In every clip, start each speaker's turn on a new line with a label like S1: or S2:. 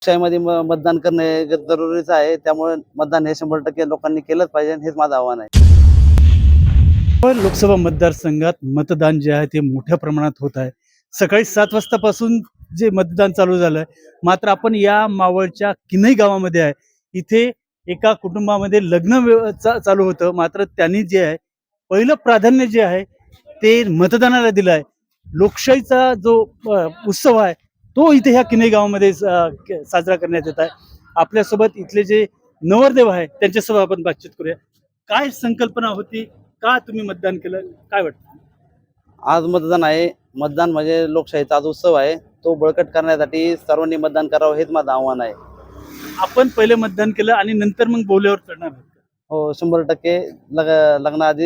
S1: लोकशाहीमध्ये मतदान करणे जरुरीचं आहे. त्यामुळे मतदान हे 100% लोकांनी केलंच पाहिजे, हेच माझं आव्हान आहे.
S2: पण लोकसभा मतदारसंघात मतदान जे आहे ते मोठ्या प्रमाणात होत आहे. सकाळी 7 वाजतापासून जे मतदान चालू झालंय. मात्र आपण या मावळच्या किन्हई गावामध्ये आहे. इथे एका कुटुंबामध्ये चालू होतं. मात्र त्यांनी जे आहे पहिलं प्राधान्य जे आहे ते मतदानाला दिलं आहे. लोकशाहीचा जो उत्सव आहे तो इथे ह्या किन्हई गावामध्ये साजरा करण्यात येत आहे. आपल्यासोबत इथले जे नवरदेव आहे त्यांच्यासोबत आपण बातचीत करूया. काय संकल्पना होती, का तुम्ही मतदान केलं, काय वाटतं?
S1: आज मतदान आहे. मतदान म्हणजे लोकशाहीचा आज उत्सव आहे. तो बळकट करण्यासाठी सर्वांनी मतदान करावं, हेच माझं आव्हान आहे.
S2: आपण पहिले मतदान केलं आणि नंतर मग बोल्यावर चढणार आहात का?
S1: हो, 100% लग्नाआधी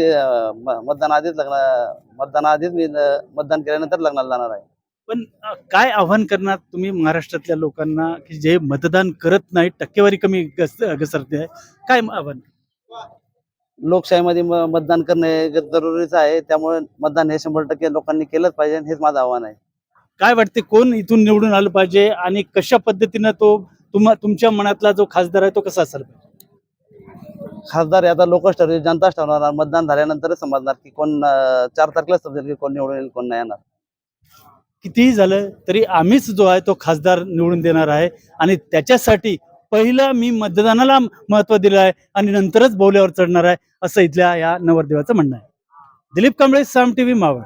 S1: मतदानाआधीच मी मतदान केल्यानंतर लग्नाला जाणार आहे.
S2: पण काय आव्हान करणार तुम्ही महाराष्ट्रातल्या लोकांना की जे मतदान करत नाही, टक्केवारी कमी घसरते आहे, काय आव्हान?
S1: लोकशाहीमध्ये मतदान करणे जरुरीचं आहे. त्यामुळे मतदान हे 100% लोकांनी केलंच पाहिजे, हेच माझं आव्हान आहे.
S2: काय वाटते कोण इथून निवडून आलं पाहिजे आणि कशा पद्धतीनं तो तुमच्या मनातला जो खासदार आहे तो कसा असायला पाहिजे?
S1: खासदार हे आता लोकच ठरवेल, जनताच ठरवणार. मतदान झाल्यानंतरच समजणार की कोण 4 तारखेला समजेल की कोण निवडून येईल, कोण नाही येणार.
S2: कितीही झालं तरी आम्हीच जो आहे तो खासदार निवडून देणार आहे आणि त्याच्यासाठी पहिला मी मतदानाला महत्त्व दिलं आहे आणि नंतरच बोल्यावर चढणार आहे, असं इथल्या या नवरदेवाचं म्हणणं आहे. दिलीप कांबळे, साम टीव्ही, मावळ.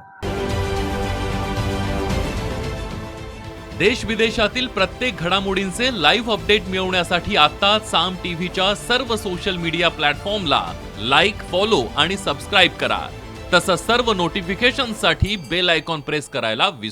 S3: देश विदेशातील प्रत्येक घडामोडींचे लाईव्ह अपडेट मिळवण्यासाठी आता साम टीव्हीच्या सर्व सोशल मीडिया प्लॅटफॉर्मला लाईक, फॉलो आणि सबस्क्राईब करा. तसंच सर्व नोटिफिकेशनसाठी बेल आयकॉन प्रेस करायला विसरू